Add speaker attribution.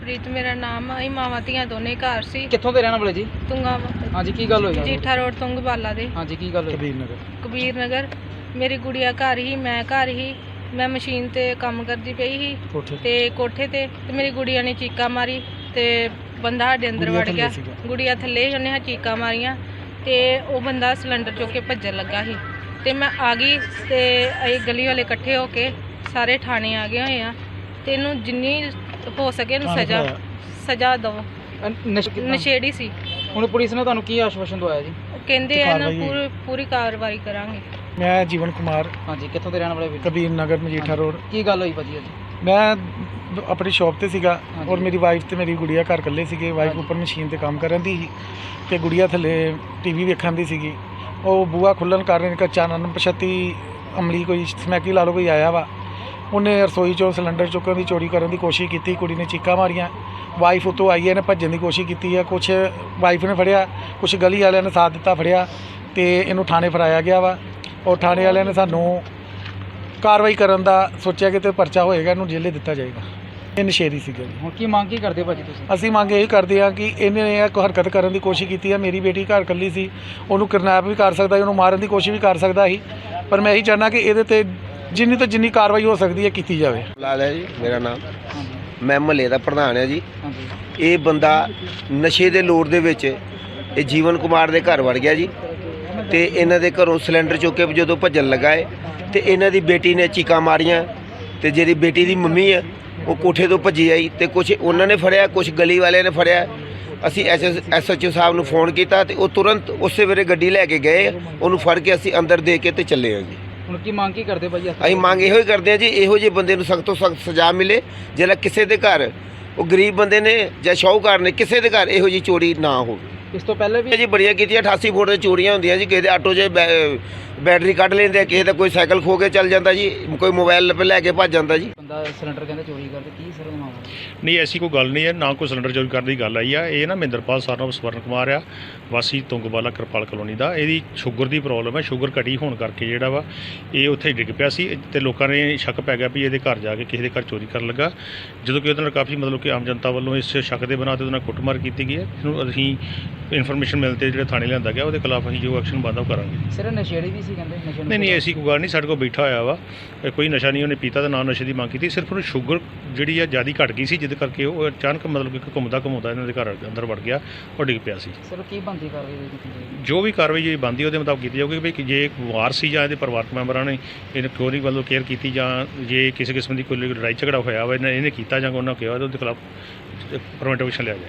Speaker 1: ਪ੍ਰੀਤ ਮੇਰਾ ਨਾਮ ਆ। ਅਸੀਂ ਮਾਵਾਂ ਧੀਆਂ ਦੋਨੇ ਘਰ ਸੀ।
Speaker 2: ਕਿੱਥੋਂ ਦੇ ਰਹਿਣ ਵਾਲੇ ਜੀ?
Speaker 1: ਤੁੰਗਾ
Speaker 2: ਹਾਂਜੀ, ਕੀ ਗੱਲ ਹੋਈ?
Speaker 1: ਜੀਠਾ ਰੋਡ ਤੁੰਗਵਾਲਾ ਦੇ।
Speaker 2: ਹਾਂਜੀ, ਕੀ ਗੱਲ ਹੋਈ?
Speaker 1: ਕਬੀਰ ਨਗਰ। ਮੇਰੀ ਗੁੜੀਆ ਘਰ ਹੀ, ਮੈਂ ਘਰ ਹੀ। ਮੈਂ ਮਸ਼ੀਨ ਤੇ ਕੰਮ ਕਰਦੀ ਪਈ ਸੀ ਤੇ ਕੋਠੇ ਤੇ ਮੇਰੀ ਗੁੜੀਆ ਨੇ ਚੀਕਾਂ ਮਾਰੀ ਤੇ ਬੰਦਾ ਸਾਡੇ ਅੰਦਰ ਵੜ ਗਿਆ। ਗੁੜੀਆ ਥੱਲੇ ਹੀ, ਉਹਨੇ ਚੀਕਾਂ ਮਾਰੀਆਂ ਤੇ ਉਹ ਬੰਦਾ ਸਿਲੰਡਰ ਚੁੱਕ ਕੇ ਭੱਜਣ ਲੱਗਾ ਸੀ ਤੇ ਮੈਂ ਆ ਗਈ ਤੇ ਅਸੀਂ ਗਲੀ ਵਾਲੇ ਇਕੱਠੇ ਹੋ ਕੇ ਸਾਰੇ ਥਾਣੇ ਆ ਗਏ ਹੋਏ ਆ ਤੇ ਇਹਨੂੰ ਜਿੰਨੀ ਹੋ ਸਕੇ ਇਹਨੂੰ ਸਜ਼ਾ ਦਿਓ। ਨਸ਼ੇੜੀ ਸੀ।
Speaker 2: ਹੁਣ ਪੁਲਿਸ ਨੇ ਤੁਹਾਨੂੰ ਕੀ ਆਸ਼ਵਾਸਨ ਦਵਾਇਆ ਜੀ?
Speaker 1: ਉਹ ਕਹਿੰਦੇ ਆ ਨਾ ਪੂਰੀ ਕਾਰਵਾਈ ਕਰਾਂਗੇ।
Speaker 3: ਮੈਂ ਜੀਵਨ ਕੁਮਾਰ,
Speaker 2: ਹਾਂਜੀ, ਕਿੱਥੋਂ ਦੇ ਰਹਿਣ ਵਾਲੇ?
Speaker 3: ਕਬੀਰ ਨਗਰ ਮਜੀਠਾ ਰੋਡ।
Speaker 2: ਕੀ ਗੱਲ ਹੋਈ ਭਾਜੀ?
Speaker 3: ਮੈਂ ਆਪਣੀ ਸ਼ਾਪ ਤੇ ਸੀਗਾ ਔਰ ਮੇਰੀ ਵਾਈਫ ਤੇ ਮੇਰੀ ਗੁੜੀਆ ਘਰ ਇਕੱਲੇ ਸੀਗੇ। ਵਾਈਫ ਉੱਪਰ ਮਸ਼ੀਨ ਤੇ ਕੰਮ ਕਰਨ ਦੀ ਸੀ ਤੇ ਗੁੜੀਆ ਥੱਲੇ ਟੀਵੀ ਵੇਖਣ ਦੀ ਸੀਗੀ। ਉਹ ਬੂਹਾ ਖੁੱਲ੍ਹਣ ਕਾਰਨ ਇੱਕ ਅਣਪਛਾਤੀ ਅਮਲੀ ਕੋਈ ਸਮੈਕੀ ਲਾ ਲਓ ਕੋਈ ਆਇਆ ਵਾ। ਉਹਨੇ ਰਸੋਈ 'ਚੋਂ ਸਿਲੰਡਰ ਚੁੱਕਣ ਦੀ ਚੋਰੀ ਕਰਨ ਦੀ ਕੋਸ਼ਿਸ਼ ਕੀਤੀ। ਕੁੜੀ ਨੇ ਚੀਕਾਂ ਮਾਰੀਆਂ। ਵਾਈਫ ਉੱਤੋਂ ਆਈ ਹੈ, ਇਹਨੇ ਭੱਜਣ ਦੀ ਕੋਸ਼ਿਸ਼ ਕੀਤੀ ਹੈ। ਕੁਛ ਵਾਈਫ ਨੇ ਫੜਿਆ, ਕੁਛ ਗਲੀ ਵਾਲਿਆਂ ਨੇ ਸਾਥ ਦਿੱਤਾ, ਫੜਿਆ ਤੇ ਇਹਨੂੰ ਥਾਣੇ ਫੜਾਇਆ ਗਿਆ ਵਾ। ਔਰ ਥਾਣੇ ਵਾਲਿਆਂ ਨੇ ਸਾਨੂੰ ਕਾਰਵਾਈ ਕਰਨ ਦਾ ਸੋਚਿਆ ਕਿ ਤੇ ਪਰਚਾ ਹੋਏਗਾ, ਇਹਨੂੰ ਜੇਲੇ ਦਿੱਤਾ ਜਾਏਗਾ। ਇਹ ਨਸ਼ੇੜੀ ਸੀਗਾ ਜੀ।
Speaker 2: ਹੁਣ ਕੀ ਮੰਗ ਕੀ ਕਰਦੇ ਭਾਜੀ ਤੁਸੀਂ?
Speaker 3: ਅਸੀਂ ਮੰਗ ਇਹ ਕਰਦੇ ਹਾਂ ਕਿ ਇਹਨੇ ਇਹ ਹਰਕਤ ਕਰਨ ਦੀ ਕੋਸ਼ਿਸ਼ ਕੀਤੀ ਹੈ। ਮੇਰੀ ਬੇਟੀ ਘਰ ਇਕੱਲੀ ਸੀ, ਉਹਨੂੰ ਕਿਡਨੈਪ ਵੀ ਕਰ ਸਕਦਾ ਸੀ, ਉਹਨੂੰ ਮਾਰਨ ਦੀ ਕੋਸ਼ਿਸ਼ ਵੀ ਕਰ ਸਕਦਾ ਸੀ। ਪਰ ਮੈਂ ਇਹੀ ਚਾਹੁੰਦਾ ਕਿ ਇਹਦੇ ਤੇ ਜਿੰਨੀ ਤੋਂ ਜਿੰਨੀ ਕਾਰਵਾਈ ਹੋ ਸਕਦੀ ਹੈ ਕੀਤੀ ਜਾਵੇ।
Speaker 4: ਲਾਲ ਹੈ ਜੀ ਮੇਰਾ ਨਾਮ। ਮੈਂ ਮਹੱਲੇ ਦਾ ਪ੍ਰਧਾਨ ਹਾਂ ਜੀ।
Speaker 2: ਹਾਂਜੀ,
Speaker 4: ਇਹ ਬੰਦਾ ਨਸ਼ੇ ਦੇ ਲੋੜ ਦੇ ਵਿੱਚ ਇਹ ਜੀਵਨ ਕੁਮਾਰ ਦੇ ਘਰ ਵੜ ਗਿਆ ਜੀ ਤੇ ਇਹਨਾਂ ਦੇ ਘਰੋਂ ਸਿਲੰਡਰ ਚੁੱਕ ਕੇ ਜਦੋਂ ਭੱਜਣ ਲੱਗਾ ਹੈ ਤੇ ਇਹਨਾਂ ਦੀ ਬੇਟੀ ਨੇ ਚੀਕਾਂ ਮਾਰੀਆਂ ਤੇ ਜਿਹੜੀ ਬੇਟੀ ਦੀ ਮੰਮੀ ਹੈ ਉਹ ਕੋਠੇ ਤੋਂ ਭੱਜੀ ਆਈ ਤੇ ਕੁਝ ਉਹਨਾਂ ਨੇ ਫੜਿਆ, ਕੁਝ ਗਲੀ ਵਾਲਿਆਂ ਨੇ ਫੜਿਆ। ਅਸੀਂ SHO ਸਾਹਿਬ ਨੂੰ ਫੋਨ ਕੀਤਾ ਤੇ ਉਹ ਤੁਰੰਤ ਉਸੇ ਵੇਲੇ ਗੱਡੀ ਲੈ ਕੇ ਗਏ। ਉਹਨੂੰ ਫੜ ਕੇ ਅਸੀਂ ਅੰਦਰ ਦੇ ਕੇ ਤੇ ਚੱਲੇ ਹਾਂ ਜੀ।
Speaker 2: ਹੁਣ ਕੀ ਮੰਗ ਕੀ ਕਰਦੇ ਭਾਜੀ?
Speaker 4: ਅਸੀਂ ਮੰਗ ਇਹੋ ਹੀ ਕਰਦੇ ਹਾਂ ਜੀ, ਇਹੋ ਜਿਹੇ ਬੰਦੇ ਨੂੰ ਸਖਤ ਤੋਂ ਸਖਤ ਸਜ਼ਾ ਮਿਲੇ। ਜਿਹੜਾ ਕਿਸੇ ਦੇ ਘਰ, ਉਹ ਗਰੀਬ ਬੰਦੇ ਨੇ ਜਾਂ ਸ਼ਾਹੂਕਾਰ ਨੇ, ਕਿਸੇ ਦੇ ਘਰ ਇਹੋ ਜਿਹੀ ਚੋਰੀ ਨਾ ਹੋਵੇ।
Speaker 2: ਇਸ ਤੋਂ ਪਹਿਲੇ ਵੀ
Speaker 4: ਜੀ ਬੜੀਆਂ ਕੀਤੀਆਂ। 88 ਫੁੱਟ ਦੇ ਚੋਰੀਆਂ ਹੁੰਦੀਆਂ ਜੀ। ਕਿਸੇ ਦੇ ਆਟੋ 'ਚ ਬੈਟਰੀ ਕੱਢ ਲੈਂਦੇ ਆ, ਕਿਸੇ ਦਾ ਕੋਈ ਸਾਈਕਲ ਖੋ ਕੇ ਚੱਲ ਜਾਂਦਾ ਜੀ, ਕੋਈ ਮੋਬਾਈਲ ਲੈ ਕੇ ਭੱਜ ਜਾਂਦਾ ਜੀ।
Speaker 2: ਬੰਦਾ ਸਿਲੰਡਰ ਕਹਿੰਦੇ ਚੋਰੀ ਕਰਦੇ, ਕੀ ਸਰ ਮਾਮਲਾ?
Speaker 5: ਨਹੀਂ, ਐਸੀ ਕੋਈ ਗੱਲ ਨਹੀਂ ਹੈ, ਨਾ ਕੋਈ ਸਿਲੰਡਰ ਚੋਰੀ ਕਰਨ ਦੀ ਗੱਲ ਆਈ ਆ। ਇਹ ਨਾ ਮਹਿੰਦਰਪਾਲ ਸਰਨਾਮ ਸਵਰਨ ਕੁਮਾਰ ਆ, ਵਾਸੀ ਤੁੰਗਵਾਲਾ ਕਿਰਪਾਲ ਕਲੋਨੀ ਦਾ। ਇਹਦੀ ਸ਼ੂਗਰ ਦੀ ਪ੍ਰੋਬਲਮ ਹੈ। ਸ਼ੂਗਰ ਘਟੀ ਹੋਣ ਕਰਕੇ ਜਿਹੜਾ ਵਾ ਇਹ ਉੱਥੇ ਡਿੱਗ ਪਿਆ ਸੀ ਤੇ ਲੋਕਾਂ ਨੇ ਸ਼ੱਕ ਪੈ ਗਿਆ ਵੀ ਇਹਦੇ ਘਰ ਜਾ ਕੇ ਕਿਸੇ ਦੇ ਘਰ ਚੋਰੀ ਕਰਨ ਲੱਗਾ। ਜਦੋਂ ਕਿ ਉਹਦੇ ਨਾਲ ਕਾਫੀ ਮਤਲਬ ਕਿ ਆਮ ਜਨਤਾ ਵੱਲੋਂ ਇਸ ਸ਼ੱਕ ਦੇ ਬਣਾ 'ਤੇ ਉਹਦੇ ਨਾਲ ਕੁੱਟਮਾਰ ਕੀਤੀ ਗਈ ਹੈ। ਇਹਨੂੰ ਅਸੀਂ ਇਨਫੋਰਮੇਸ਼ਨ ਮਿਲਣ 'ਤੇ ਜਿਹੜਾ ਥਾਣੇ ਲਿਆਂਦਾ ਗਿਆ, ਉਹਦੇ ਖਿਲਾਫ ਅਸੀਂ ਜੋ ਐਕਸ਼ਨ ਬਣਦਾ ਉਹ ਕਰਾਂਗੇ।
Speaker 2: ਸਿਰ ਨਸ਼ੇੜੀ ਵੀ ਸੀ ਕਹਿੰਦੇ?
Speaker 5: ਨਹੀਂ, ਐਸੀ ਕੋਈ ਗੱਲ ਨਹੀਂ। ਸਾਡੇ ਕੋਲ ਬੈਠਾ ਹੋਇਆ ਵਾ, ਕੋਈ ਨਸ਼ਾ ਨਹੀਂ ਉਹਨੇ ਪੀਤਾ ਤੇ ਨਾ ਨਸ਼ੇ ਦੀ ਮੰਗ ਕੀਤੀ। ਸਿਰਫ ਉਹਨੂੰ ਸ਼ੂਗਰ ਜਿਹੜੀ ਆ ਜ਼ਿਆਦਾ ਘਟ ਗਈ ਸੀ, ਜਿਹਦੇ ਕਰਕੇ ਉਹ ਅਚਾਨਕ ਮਤਲਬ ਕਿ ਘੁੰਮਦਾ ਇਹਨਾਂ ਦੇ ਘਰ ਅੰਦਰ ਵੜ ਗਿਆ, ਉਹ ਡਿੱਗ ਪਿਆ ਸੀ।
Speaker 2: ਸਰ ਕੀ ਬਣਦੀ ਕਾਰਵਾਈ ਕੀਤੀ ਜਾਏਗੀ?
Speaker 5: ਜੋ ਵੀ ਕਾਰਵਾਈ ਜਿਹੜੀ ਬਣਦੀ ਉਹਦੇ ਮੁਤਾਬਕ ਕੀਤੀ ਜਾਊਗੀ ਵੀ ਜੇ ਇੱਕ ਵਾਰ ਸੀ ਜਾਂ ਇਹਦੇ ਪਰਿਵਾਰਕ ਮੈਂਬਰਾਂ ਨੇ ਇਹਨੂੰ ਕਿਉਂ ਨਹੀਂ ਵੱਲੋਂ ਕੇਅਰ ਕੀਤੀ, ਜਾਂ ਜੇ ਕਿਸੇ ਕਿਸਮ ਦੀ ਕੋਈ ਲੜਾਈ ਝਗੜਾ ਹੋਇਆ ਵਾ ਇਹਨੇ ਕੀਤਾ ਜਾਂ ਉਹਨਾਂ ਕਿਹਾ ਉਹਦੇ ਖਿਲਾਫ ਪ੍ਰੀਵੈਂਟਿਵ ਐਕਸ਼ਨ ਲਿਆ ਜਾਏ।